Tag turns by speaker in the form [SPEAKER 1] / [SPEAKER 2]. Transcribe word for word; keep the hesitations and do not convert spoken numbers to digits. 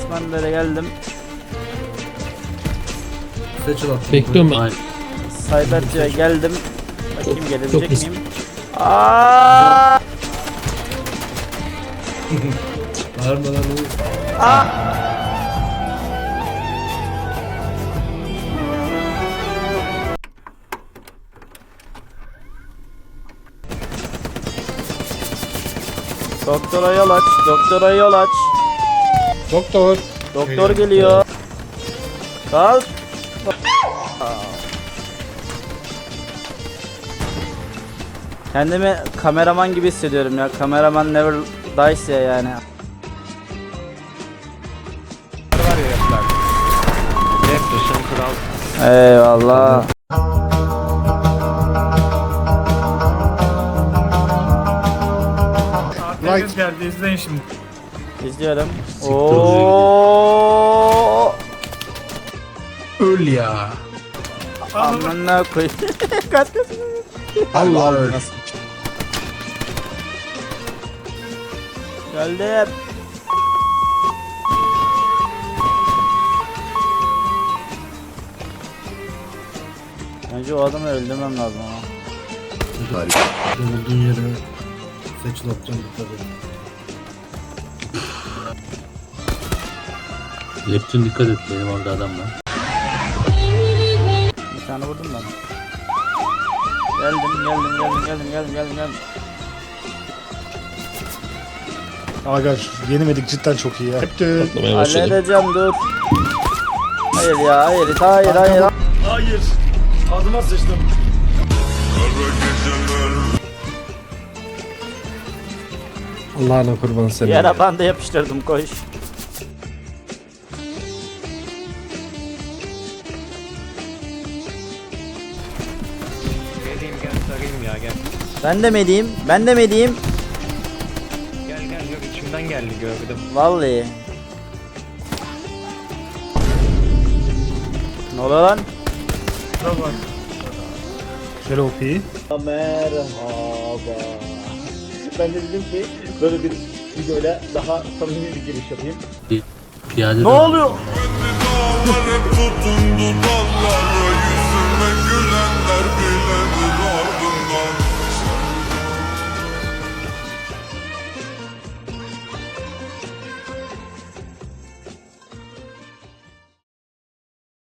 [SPEAKER 1] Ben böyle geldim.
[SPEAKER 2] Seçil attım.
[SPEAKER 3] Bekliyorum ben.
[SPEAKER 1] Cyber'cıya geldim. Bakayım
[SPEAKER 3] Çok
[SPEAKER 1] gelebilecek
[SPEAKER 3] risk.
[SPEAKER 1] miyim? Aaaa!
[SPEAKER 2] Bağırma lan oğlum.
[SPEAKER 1] Doktora yol aç, doktora yol aç.
[SPEAKER 3] Doktor.
[SPEAKER 1] Doktor geliyor. Kalk. Kendimi kameraman gibi hissediyorum ya. Kameraman never dies ya yani.
[SPEAKER 4] Var ya yapılar. Jefferson Kral.
[SPEAKER 1] Eyvallah.
[SPEAKER 5] Right. Geldi izleyin şimdi.
[SPEAKER 1] İzliyorum. Oo.
[SPEAKER 2] Öl ya.
[SPEAKER 1] Amına koy. Kaç kaç.
[SPEAKER 2] Allah öl.
[SPEAKER 1] Geldim. Bence o adamı öldürmem lazım ama.
[SPEAKER 2] Harika. Olduğun yere seçil atacağım dikkat edin.
[SPEAKER 3] Leptin dikkat et, benim orada adam var.
[SPEAKER 1] Bir tane vurdum ben. Geldim geldim geldim geldim geldim geldim geldim.
[SPEAKER 5] Aga yenemedik cidden çok iyi ya.
[SPEAKER 3] Patlamaya başladı.
[SPEAKER 1] Halledeceğim dur. Hayır ya hayır hayır hayır.
[SPEAKER 5] Hayır. Adıma sıçtım.
[SPEAKER 2] Allah'ına kurban seni.
[SPEAKER 1] Yara bandı yapıştırdım koş.
[SPEAKER 4] Geleyim gel sarayım ya gel.
[SPEAKER 1] Ben de mi edeyim? Ben de mi edeyim?
[SPEAKER 4] Gel gel yok içimden geldi gördüm.
[SPEAKER 1] Vallahi. Ne oluyor lan?
[SPEAKER 5] Tamam. Şöyle O P'yi.
[SPEAKER 1] Merhaba. Ben de dedim ki böyle bir videoyla daha samimi bir giriş yapayım.
[SPEAKER 3] Bir piyade
[SPEAKER 1] Ne
[SPEAKER 3] de-
[SPEAKER 1] oluyor?
[SPEAKER 6] Tutundu dallara yüzüme güle